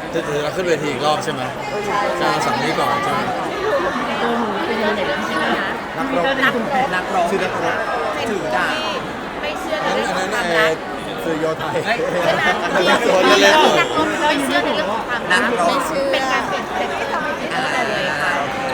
จะเราขึ้นเวทีอีกรอบใช่ไหมจะมาสั่งนี้ก่อนใช่ไหมนักรบชื่อนักรบถือดาบไม่เชื่อในเรื่องของความรักสื่อโยไทยนักรบไม่เชื่อในเรื่องของความรักไม่เชื่อเป็นการเปลี่ยนแปลงที่ทำให้ผิดเลยค่ะ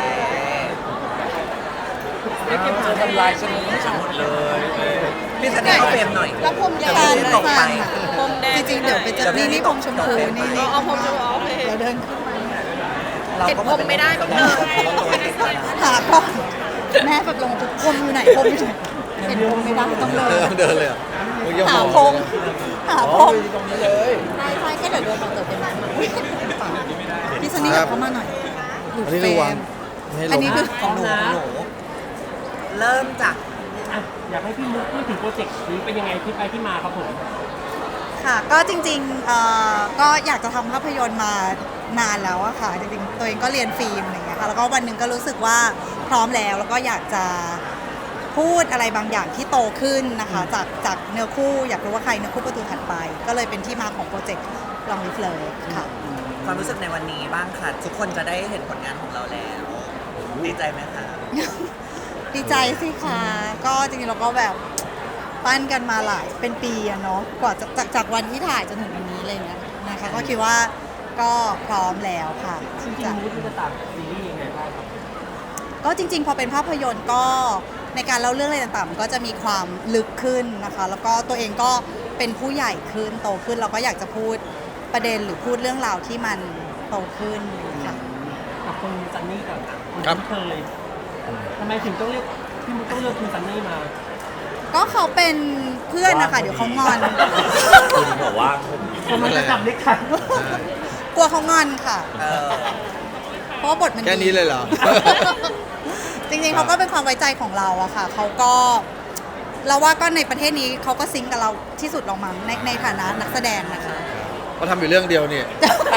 จะทำลายฉันหมดเลยพี่สันนิษฐานเฟรมหน่อยแล้วผมยาวตกไปผมแดงจริงๆเดี๋ยวไปจะนี่ผมชมพูนี่เอาผมชมพูโอเคเดี๋ยวเดินขึ้นมาเห็นผมไม่ได้ต้องเดินหาพ่อแม่แบบลงทุกคนอยู่ไหนผมอยู่เห็นผมไม่ได้ต้องเดินเดินเลยอ่ะหาพงหาพงตรงนี้เลยใช่แค่เดี๋ยวเดินต่อเติมเป็นพี่ซันนี่เข้ามาหน่อยอันนี้คือวางอันนี้คือของหนูเริ่มจากอยากให้พี่มุกพูดถึงโปรเจกต์นี้เป็นยังไงที่ไปที่มาครับผมค่ะก็จริงๆก็อยากจะทำภาพยนตร์มานานแล้วอะค่ะจริงๆตัวเองก็เรียนฟิล์มอะไรอย่างเงี้ยค่ะแล้วก็วันหนึ่งก็รู้สึกว่าพร้อมแล้วก็อยากจะพูดอะไรบางอย่างที่โตขึ้นนะคะจากเนื้อคู่อยากรู้ว่าใครเนื้อคู่ประตูถัดไปก็เลยเป็นที่มาของโปรเจกต์ลองลิฟเลยค่ะความรู้สึกในวันนี้บ้างค่ะทุกคนจะได้เห็นผลงานของเราแล้วดีใจไหมคะดีใจสิคะก็จริงๆเราก็แบบปั้นกันมาหลายเป็นปีอะเนาะกว่าจากวันที่ถ่ายจนถึงวันนี้อะไรเงี้ยนะคะก็คิดว่าก็พร้อมแล้วค่ะจริงๆมุกจะต่างซีรีส์ยังไงบ้างครับก็จริงๆพอเป็นภาพยนตร์ก็ในการเล่าเรื่องอะไรต่างๆมันก็จะมีความลึกขึ้นนะคะแล้วก็ตัวเองก็เป็นผู้ใหญ่ขึ้นโตขึ้นเราก็อยากจะพูดประเด็นหรือพูดเรื่องราวที่มันโตขึ้นค่ะกับคุณซันนี่ก่อนคุณครับเคยทำไมถึงต้องเรียกพี่มุกต้องเลือกคุณซันนี่มาก็เขาเป็นเพื่อนนะคะเดี๋ยวเขางอนคุณบอกว่าผมมันจะจับเล็กขันกลัวเขางอนค่ะ เพราะว่าบทมันดีแค่นี้เลยเหรอจริงๆเขาก็เป็นความไว้ใจของเราอะค่ะเขาก็เราว่าก็ในประเทศนี้เขาก็ซิงค์กับเราที่สุดเรามั้งในฐานะนักแสดงนะคะเขาทำอยู่เรื่องเดียวนี่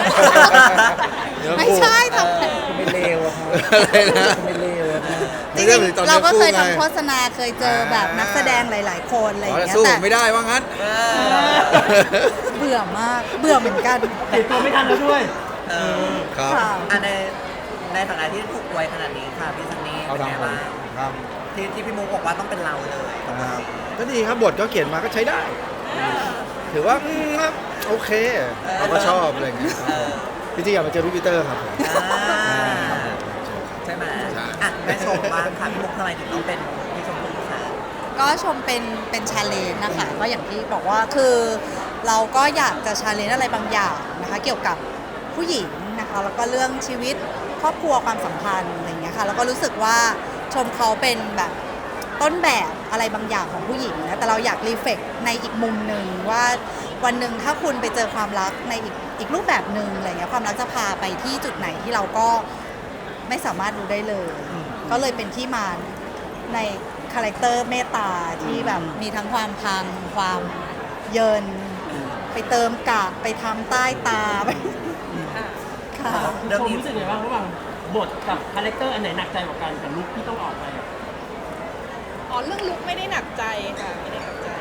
ไม่ใช่ทำไม่เลวอะครับอะไรนะไม่เลวอะครับจริงๆเราก็เคยทำโฆษณาเคยเจอแบบนักแสดงหลายๆคนอะไรอย่างแต่เงี้ยสู้แต่ผมไม่ได้ว่างั้นเบื่อมากเบื่อเหมือนกันเห็นตัวไม่ทันแล้วด้วยครับค่ะในฐานะที่ถูกไว้ขนาดนี้ค่ะพี่ซันนี่เอาเป็นไงทำบ้างครับที่พี่มุกบอกว่าต้องเป็นเราเลยตรงนะนี้ครับก็ดีครับบทก็เขียนมาก็ใช้ได้ ถือว่าครับโอเคเราก็ชอบอะไรอย่างเงี้ยจริงๆอยากมาเจอพี่ปีเตอร์ครับผมใช่ไหมใช่อ่ะแม่ชมบ้างค่ะพี่มุกทำไมถึงต้องเป็นพี่ชมพู่คะก็ชมเป็นชาเลนจ์นะคะก็อย่างที่บอกว่าคือเราก็อยากจะชาเลนจ์อะไรบางอย่างนะคะเกี่ยวกับผู้หญิงนะคะแล้วก็เรื่องชีวิตครอบครัวความสัมพันธ์อะไรอย่างเงี้ยค่ะแล้วก็รู้สึกว่าชมเขาเป็นแบบต้นแบบอะไรบางอย่างของผู้หญิงนะแต่เราอยากรีเฟกในอีกมุมหนึ่งว่าวันหนึ่งถ้าคุณไปเจอความรักในอีกรูปแบบหนึ่งอะไรเงี้ยความรักจะพาไปที่จุดไหนที่เราก็ไม่สามารถรู้ได้เลย ก็เลยเป็นที่มาในคาแรคเตอร์เมตตาที่แบบมีทั้งความพังความเยินไปเติมกากไปทำใต้ตาไปค่ะเรื่องผมนี้รู้สึกไงบ้างระหว่างบทกับคาแรคเตอร์อันไหนหนักใจกว่ากันกับลุคที่ต้องออกไปอะอ๋อเรื่องลุกไม่ได้หนักใจค่ะไม่ได้หนักใจ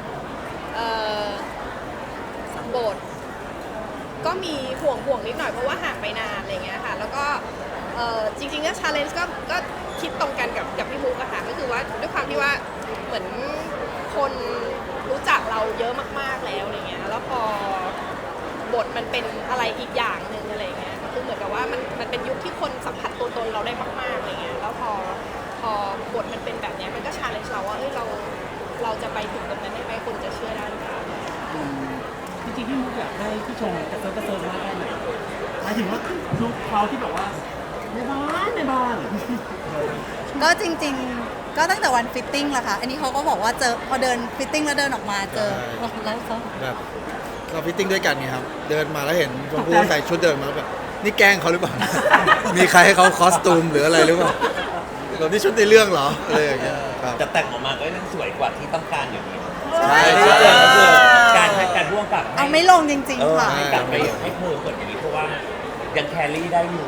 บทก็มีห่วงนิดหน่อยเพราะว่าห่างไปนานอะไรเงี้ยค่ะแล้วก็จริงๆก็ชาเลนจ์ก็คิดตรงกันกับพี่มุกอะค่ะก็คือว่าด้วยความที่ว่าเหมือนคนรู้จักเราเยอะมากๆแล้วอะไรเงี้ยแล้วพอบทมันเป็นอะไรอีกอย่างหนึ่งอะไรเงี้ยคือเหมือนกับว่ามันเป็นยุคที่คนสัมผัสตัวตนเราได้มากๆอะไรเงี้ยแล้วพอบทมันเป็นแบบเนี้ยมันก็ชาเลนจ์เราว่าเอ้ยเราจะไปถึงตรงนั้นได้ไหมคนจะเชื่อได้หรือเปล่าจริงๆพี่มุกอยากให้พี่ชมกระเซิร์มากแค่ไหนหมายถึงว่าลุคเขาที่แบบว่าในบ้านก็จริงๆก็ตั้งแต่วันฟิตติ้งแหละค่ะอันนี้เขาก็บอกว่าเจอพอเดินฟิตติ้งแล้วเดินออกมาเจอแล้วเขาแบบเราฟิตติ้งด้วยกันไงครับ เดินมาแล้วเห็นชมพู่ใส่ชุดเดินมาแล้วแบบนี่แกล้งเขาหรือเปล่า มีใครให้เขาคอสตูมหรืออะไรหรือเปล่าเรานี่ชุดในเรื่องเหรออะไรอย่างเงี้ยครับจะแต่งออกมาก็ยังสวยกว่าที่ต้องการอยู่ดีใช่ไม่ได้เจอก็คือการให้การร่วมกับเอาไม่ลงจริงๆค่ะให้กลับไปให้เพิ่มกว่านี้เพราะว่ายังแครี่ได้อยู่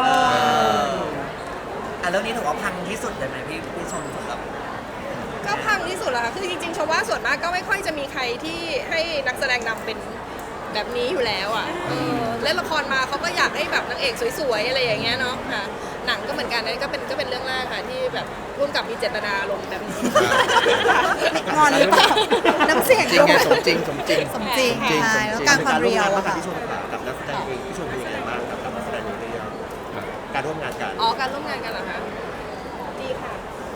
เรื่องนี้ถือว่าพังที่สุดเลยไหมพี่ชมสำหรับก็พังที่สุดแล้วค่ะคือจริงๆชมว่าส่วนมากก็ไม่ค่อยจะมีใครที่ให้นักแสดงนำเป็นแบบนี้อยู่แล้วอ่ะเล่นละครมาเขาก็อยากให้แบบนางเอกสวยๆอะไรอย่างเงี้ยเนาะค่ะหนังก็เหมือนกันนั่นก็เป็นเรื่องแรกค่ะที่แบบร่วมกับมีเจตนาลงแบบนี้งอนหรือเปล่าน้ำเสียงจริงไงด้วยสมจริงสมจริงใช่แล้วการความเรียวอะค่ะที่ชมกับนักแสดงเองที่ชมเป็นยังไงบ้างกับนักแสดงในเรื่องการร่วมงานกันอ๋อการร่วมงานกันเหรอคะดีค่ะ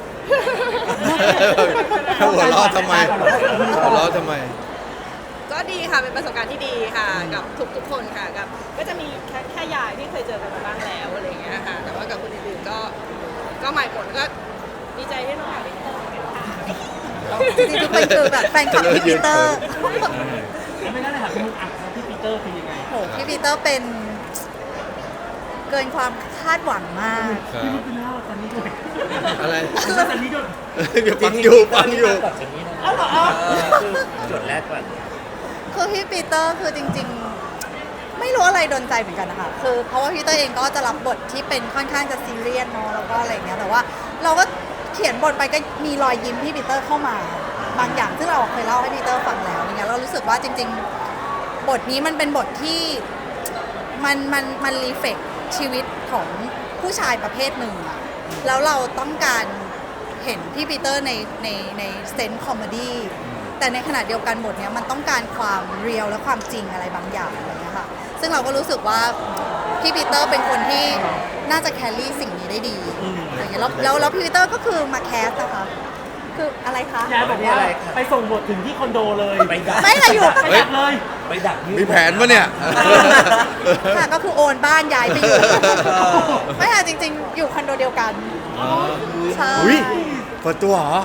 หัวเราะทำไมหัวเราะทำไมก็ดีค่ะเป็นประสบการณ์ที่ดีค่ะกับทุกคนค่ะกับก็จะมีแค่ยายที่เคยเจอกันมาบ้างแล้วอะไรอย่างเงี้ยค่ะแต่ว่ากับคนอื่นๆก็ใหม่หมดก็ดีใจที่น้องหาได้เจอกันค่ะจริงๆทุกคนคือแบบแฟนคลับพี่ปีเตอร์ไม่ได้เลยค่ะคุณมุกอ่ะแล้วพี่ปีเตอร์คือยังไงโหพี่ปีเตอร์เป็นเกินความคาดหวังมากพี่มุกเป็นเล่าตอนนี้ด้วยอะไรตอนนี้ด้วยเดี๋ยวฟังอยู่แบบนี้นะคือจุดแรกก่อนคือพี่ปีเตอร์คือจริงๆ ไม่รู้อะไรโดนใจเหมือนกันนะคะคือเพราะว่าพี่ปีเตอร์เองก็จะรับบทที่เป็นค่อนข้างจะซีเรียสเนาะแล้วก็อะไรอย่างเงี้ยแต่ว่าเราก็เขียนบทไปก็มีรอยยิ้มพี่ปีเตอร์เข้ามาบางอย่างซึ่งเราเคยเล่าให้พี่ปีเตอร์ฟังแล้วอย่างเงี้ยเรารู้สึกว่าจริงๆ บทนี้มันเป็นบทที่มันรีเฟกชีวิตของผู้ชายประเภทหนึ่งอะแล้วเราต้องการเห็นพี่ปีเตอร์ในเซนส์คอมเมดี้แต่ในขณะเดียวกันบทเนี้ยมันต้องการความเรียลและความจริงอะไรบางอย่างอะไรเงี้ยค่ะซึ่งเราก็รู้สึกว่าพี่ปีเตอร์เป็นคนที่น่าจะแครี่สิ่งนี้ได้ดีอะไรเงี้ยแล้วพี่ปีเตอร์ก็คือมาแคสนะคะคืออะไรคะยายบอกว่าไปส่งบทถึงที่คอนโดเลยไปดักไม่ค่ะอยู่ไปดักเลยไปดักยืมีแผนปะเนี่ยค่ะก็คือโอนบ้านย้ายไปอยู่ ไม่ค่ะจริงๆ อยู่คอนโดเดียวกันใช่อุ้ยเปิดตัวเหรอ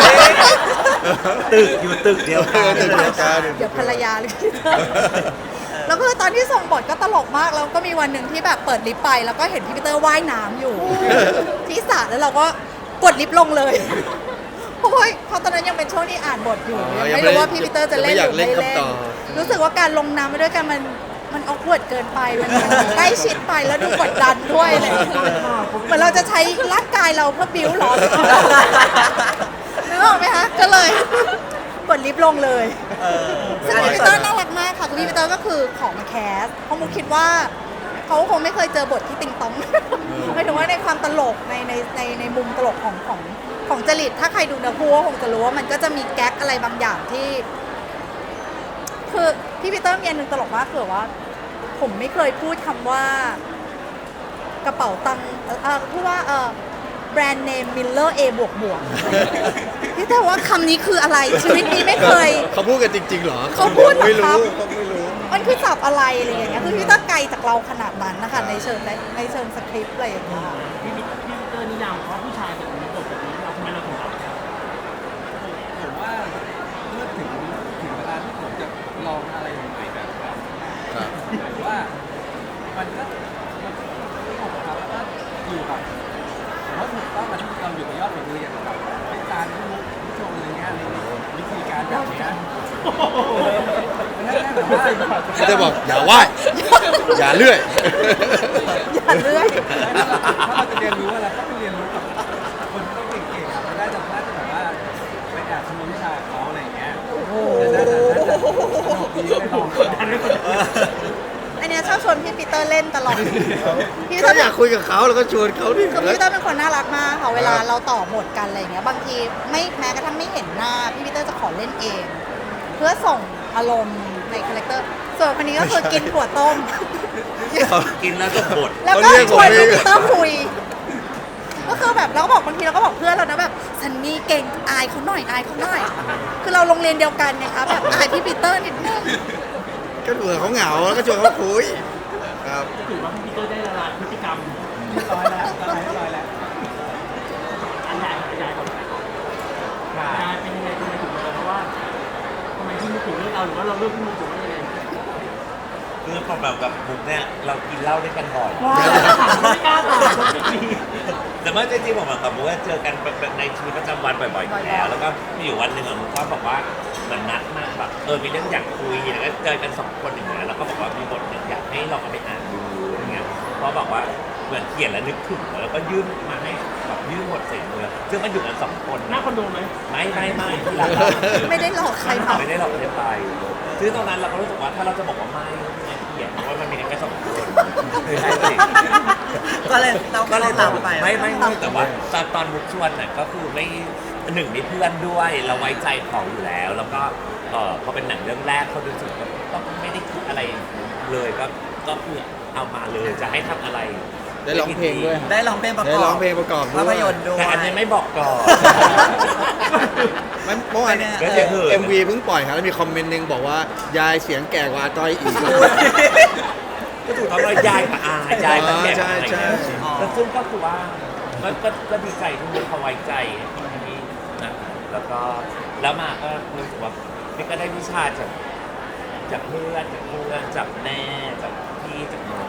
ตึกอยู่ตึกเดียวกันตึกเดียวกันเดี๋ยวภรรยาหรือพี่เตอร์แล้วก็ตอนที่ส่งบทก็ตลกมากแล้วก็มีวันหนึ่งที่แบบเปิดลิฟต์ไปแล้วก็เห็นพี่ปีเตอร์ว่ายน้ำอยู่ ที่สระแล้วเราก็กดลิฟต์ลงเลยเพราะว่าตอนนั้นยังเป็นช่วงที่อ่านบทอยู่อ๋อยังไม่รู้ว่าพี่ปีเตอร์จะเล่นหรือไม่ยังไม่อยากเล่นเล่นคำตอบรู้สึกว่าการลงน้ำไปด้วยกันมันออกวดเกินไปมันใกล้ชิดไปแล้วดูกดดันด้วยอะไรอย่างเลยเหมือนเราจะใช้ร่างกายเราเพื่อบิ้วหรอนึกออกไหมคะก็เลยกดลิฟต์ลงเลยซึ่งพี่ปีเตอร์น่ารักมากค่ะคือพี่ปีเตอร์ก็คือของมาแคสเพราะมุกคิดว่าเขาคงไม่เคยเจอบทที่ติงตองหมายถึงว่าในความตลกในมุมตลกของจริตถ้าใครดูเนื้อคู่ก็คงจะรู้ว่ามันก็จะมีแก๊กอะไรบางอย่างที่คือพี่ปีเตอร์มีอันหนึ่งตลกมากคือว่าผมไม่เคยพูดคำว่ากระเป๋าตังค์พูดว่าแบรนด์เนมมิลเลอร์บวกพี่แต่ว่าคำนี้คืออะไรชีวิตนี้ไม่เคยเขาพูดกันจริงๆเหรอเขาพูดเหรอไม่ครัรู้บเขาไม่รู้มันคือศัพท์อะไรอะไรอย่างเงี้ยคือพี่ต้องไกลจากเราขนาดนั้นนะคะในเชิงสคริปต์อะไรอย่างเงี้ยพี่ปีเตอร์นิยามเขาผู้ชายแบบนี้บทแบบนี้เราทำไมเราถึงรับผมว่าเมื่อถึงเวลาที่ผมจะลองอะไรใหม่ๆแบบครับครับผมว่ามันก็ไม่ถูกครับแล้วก็อยู่กับผมว่าถูกต้องกับที่เราอยู่กับยอดฝีมืออย่างแบบเป็นการที่มุกที่ชมอะไรเงี้ยในวิธีการแบบเนี้ยมันน่าแบบว่าเขาจะบอกอย่าไหว้อย่าเลื่อยอย่าเลื่อยถ้าเราจะเรียนรู้อะไรก็ไปเรียนรู้กับคนที่เก่งๆมันน่าจะแบบว่าไปแอบขโมยวิชาเขาอะไรอย่างเงี้ยน่าจะสนุกดีไปลองอันเนี้ยชอบชวนพี่ปีเตอร์เล่นตลอดพี่ปีเตก็อร์อยากคุยกับเขาแล้วก็ชวนเขาดิคือพี่ปีเตอร์เป็นคนน่ารักมากค่ะเวลาเราต่อบทกันอะไรอย่างเงี้ยบางทีไม่แม้กระทั่งไม่เห็นหน้าพี่ปีเตอร์จะขอเล่นเอง เพื่อส่งอารมณ์ในคาแรคเตอร์ส่วนคนนี้ก็คือกินถั่วต้มกินแล้วก็บดแล้วก็ชวนพี่ปีเตอร์คุย ก็คือแบบเราก็บอกบางทีเราก็บอกเพื่อนเรานะแบบซันนี่เก่งอายเขาหน่อยอายเขาหน่อย คือเราโรงเรียนเดียวกันไงคะแบบอายพี่ปีเตอร์นิดนึงก็เผื่อเขาเหงาแล้วก็ชวนเขาคุยครับก็ถือว่าพี่ปีเตอร์ได้ละลายพฤติกรรมร้อยแล้วร้อยแล้วอันใหญ่ก่อนยายเป็นยังไงทำไมถึงมาเพราะว่าทำไมพี่มุกถึงเลือกเราหรือว่าเราเลือกพี่มุกถึงว่ายังไงคือพอแบบกับบุ๊กเนี่ยเรากินเหล้าด้วยกันบ่อยว้าวไม่กล้าตอบไม่ดีแต่เมื่อจริงๆผมกับบุ๊กเจอกันในชีวิตประจำวันบ่อยๆอยู่แล้ว แล้วก็มีอยู่วันหนึ่งบุ๊กก็บอกว่าเหมือนนัดมาแบบมีเรื่องอยากคุยแล้วก็เจอกันสองคนอย่างเงี้ยแล้วก็บอกว่ามีบทหนึ่งอยากให้ลองเอาไปอ่านดูอะไรเงี้ยเพราะบอกว่าเหมือนเขียนแล้วนึกถึงแล้วก็ยื่นมาให้แบบยื่นบทเสร็จเลยซึ่งมันอยู่กันสองคนหน้าคอนโดไหมไม่ที่ร้านไม่ได้หลอกใครมาไม่ได้หลอกใครไปซึ่งตรงนั้นเราก็รู้สึกว่าถ้าเราจะบอกว่าไม่เกลียดเพราะว่ามันมีกันแค่สองคนไม่ใช่สิก็เลยเราก็เลยตามไปไม่แต่ว่าตอนมุกชวนน่ะก็คือไม่หนึ่งมีเพื่อนด้วยเราไว้ใจเขาอยู่แล้ว แล้วก็พอเป็นหนังเรื่องแรกเขาดูสึกว่าก็ไม่ได้คิดอะไรเลยก็คือเอามาเลยจะให้ทำอะไรได้ร้องเพลงด้วยได้ร้องเพลงประกอบได้ร้องเพลงประกอบด้วยภาพยนตร์ด้วยแต่อันนี้ไม่บอกก่อนเมื่อวานไม่แน่ก็จะเหิน MV เพิ่งปล่อยครับแล้วมีคอมเมนต์หนึงบอกว่ายายเสียงแก่กว่าอาต้อยอีกก็ถูกทำร้ายยายกับอายายกับแก่ใช่ใช่แล้วซึ่งก็คือว่าก็ดีใจที่มีเขาไว้ใจนี่นะแล้วก็แล้วมาก็รู้สึกว่านี่ก็ได้วิชาจากเพื่อนจากแม่จากพี่จากน้อง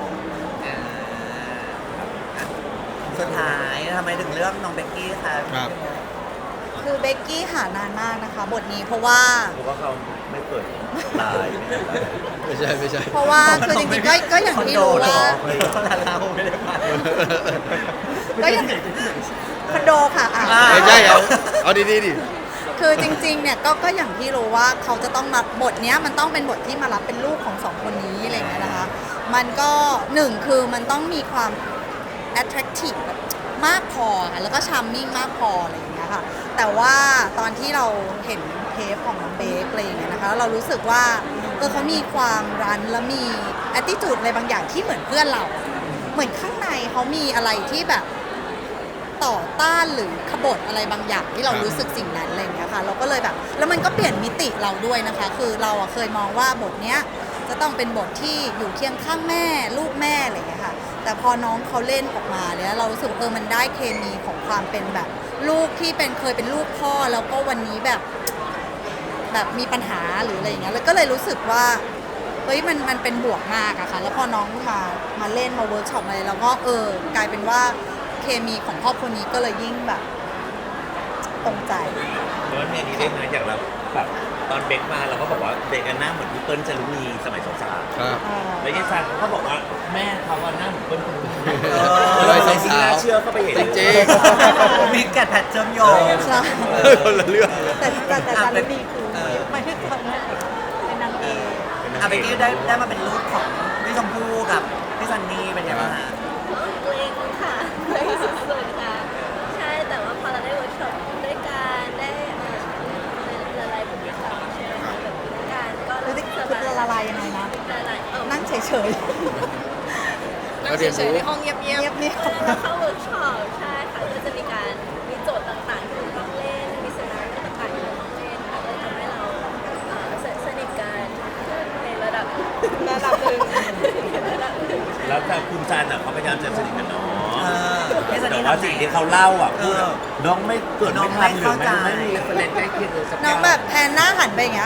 สุดท้ายทำไมถึงเลือกน้องเบกกี้คะครับคือเบกกี้หานานมากนะคะ บทนี้เพราะว่าเพราะว่าเขาไม่เปิดไลน์ไม่ใช่ไม่ใช่เพราะว่าคือจริงๆก็อย่างที่รู้ว่าเราไม่ได้ไปก็อย่างคอนโดค่ะอ่ะไม่ใช่เอาดีๆดิคือจริงๆเนี่ยก็อย่างที่รู้ว่าเขาจะต้องมาบทเนี้ยมันต้องเป็นบทที่มารับเป็นลูกของสองคนนี้อะไรอย่างเงี้ยนะคะ มันก็หนึ่งคือมันต้องมีความ attractive แบบมากพอค่ะแล้วก็ charming มากพออะไรอย่างเงี้ยค่ะ แต่ว่าตอนที่เราเห็นเทปของน้องเบคอะไรอย่างเงี้ยนะคะแล้วเรารู้สึกว่าเขามีความรั้นและมี attitude อะไรบางอย่างที่เหมือนเพื่อนเรา เหมือนข้างในเขามีอะไรที่แบบต่อต้านหรือขบฏอะไรบางอย่างที่เรารู้สึกสิ่งนั้นอะไรอย่างเงี้ยค่ะเราก็เลยแบบแล้วมันก็เปลี่ยนมิติเราด้วยนะคะ คือเราเคยมองว่าบทเนี้ยจะต้องเป็นบทที่อยู่เคียงข้างแม่ลูกแม่อะไรอย่างเงี้ยค่ะแต่พอน้องเขาเล่นออกมาเนี่ยเรารู้สึกมันได้เคมีของความเป็นแบบลูกที่เคยเป็นลูกพ่อแล้วก็วันนี้แบบมีปัญหาหรืออะไรอย่างเงี้ยแล้วก็เลยรู้สึกว่าเฮ้ยมันเป็นบวกมากอะค่ะแล้วพอน้องมาเล่นมาเวิร์กช็อปอะไรแล้วก็กลายเป็นว่าเคมีของครอบครัวนี้ก็เลยยิ่งแบบตรงใจเพราะว่าเนี่ยนี้ได้ไหมอย่างเราแบบตอนเบคมาเราก็บอกว่าเบคหน้าเหมือนพี่เปิ้ลจารุณีสมัยสาวครับๆแล้วยายซันเขาก็บอกว่าแม่เขาว่าหน้าเหมือนเปิ้ลจารุณีวัยสาวๆยิ่งน่าเชื่อเข้าไปเห็นจริงมีแกะแพทเชื่อมโยงใช่คนละเรื่องแต่จารุณีคือไม่ได้ทำเป็นนางเอกเบกกี้ได้มาเป็นลูกของพี่ชมพู่กับพี่ซันนี่เป็นไงบ้างฮะเกรงค่ะเกรงสุดๆค่ะ ใช่แต่ว่าพอเราได้เวิร์กช็อปด้วยกันได้ละลายพฤติกรรมใช่ไหมคะแบบด้วยกันก็รู้สึกสคือบายละลายยังไงนะละลายนั่งเฉยนั่งเฉยๆในห้องเงียบๆเงียบแล้วเข้าเวิร์กช็อปใช่ค่ะก็จะมีการมีโจทย์ต่างๆที่เราต้องเล่นมีสนาริโอต่างๆที่เราต้องเล่นค่ะก็ทำให้เราสนิทกันในระดับหนึ่งระดับหนึ่งแล้วแต่คุณจันเขาพยายามจะสนิทกับน้องพี่ซันแต่นี่ว่าทำสิ่งไงที่เขาเล่าอ่ะพูดเออน้องไม่เกิดน้อไม่งทันหรือไม่เข้าใจไม่มีประเด็นใกล้เคียงเลยสักอน้อย่าง แบบแพนหน้าหันไปอย่างเงี้ย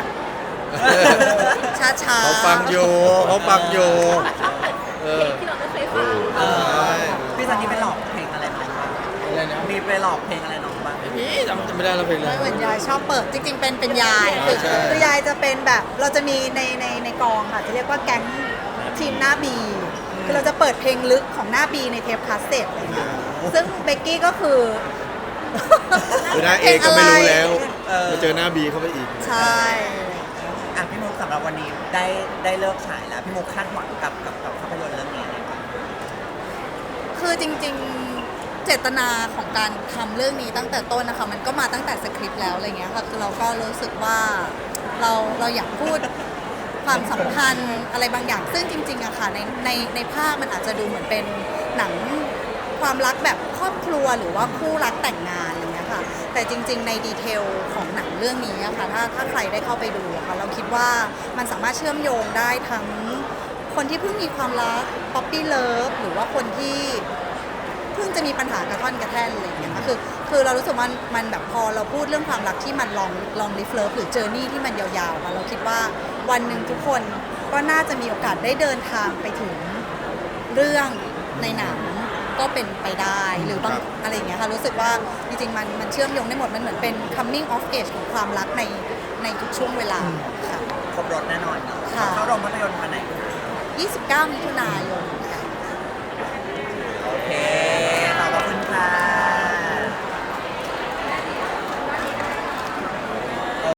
ช้าๆเขาฟังอยู่เขาฟังอยู่เพลงที่เราไม่เคยฟังเออพี่ซันนี่ไปหลอกเพลงอะไรน้องบ้างอะไรนะมีไปหลอกเพลงอะไรน้องบ้างพี่จำไม่ได้แล้วเพลงอะไรไม่เหมือนยายชอบเปิดจริงๆเป็นยายใช่ใช่คือยายจะเป็นแบบเราจะมีในกองค่ะจะเรียกว่าแก๊งทีมหน้าบีคือเราจะเปิดเพลงลึกของหน้าบีในเทปคาสเซ็ตอะไรเงี้ยซึ่งเบกกี้ก็คือคือหน้าเอก็ไม่รู้แล้วเออมาเจอหน้าบีเข้าไปอีกใช่อ่ะพี่มุกสำหรับวันนี้ได้เลิกฉายแล้วพี่มุกคาดหวังกับภาพยนตร์เรื่องนี้อะไรบ้างคือจริงๆเจตนาของการทำเรื่องนี้ตั้งแต่ต้นนะคะมันก็มาตั้งแต่สคริปต์แล้วอะไรเงี้ยค่ะคือเราก็รู้สึกว่าเราอยากพูดความสัมพันธ์อะไรบางอย่าง ซึ่งจริงๆอะค่ะในภาพมันอาจจะดูเหมือนเป็นหนังความรักแบบครอบครัวหรือว่าคู่รักแต่งงานอะไรเงี้ยค่ะแต่จริงๆในดีเทลของหนังเรื่องนี้อะค่ะถ้าใครได้เข้าไปดูอะค่ะเราคิดว่ามันสามารถเชื่อมโยงได้ทั้งคนที่เพิ่งมีความรักป๊อปปี้เลิฟหรือว่าคนที่เพิ่งจะมีปัญหากระท่อนกระแท่นอะไรอย่างเงี้ยค่ะคือเรารู้สึกว่ามันแบบพอเราพูดเรื่องความรักที่มันลองลิฟเลิฟหรือเจอร์นี่ที่มันยาวๆค่ะเราคิดว่าวันหนึ่งทุกคนก็น่าจะมีโอกาสได้เดินทางไปถึงเรื่องในหนังก็เป็นไปได้หรือบางอะไรอย่างเงี้ยค่ะรู้สึกว่าจริงๆมันเชื่อมโยงได้หมดมันเหมือนเป็น coming of age ของความรักในทุกช่วงเวลาค่ะครบรถแน่นอนค่ะเข้าโรงภาพยนตร์วันไหน 29 มิถุนายน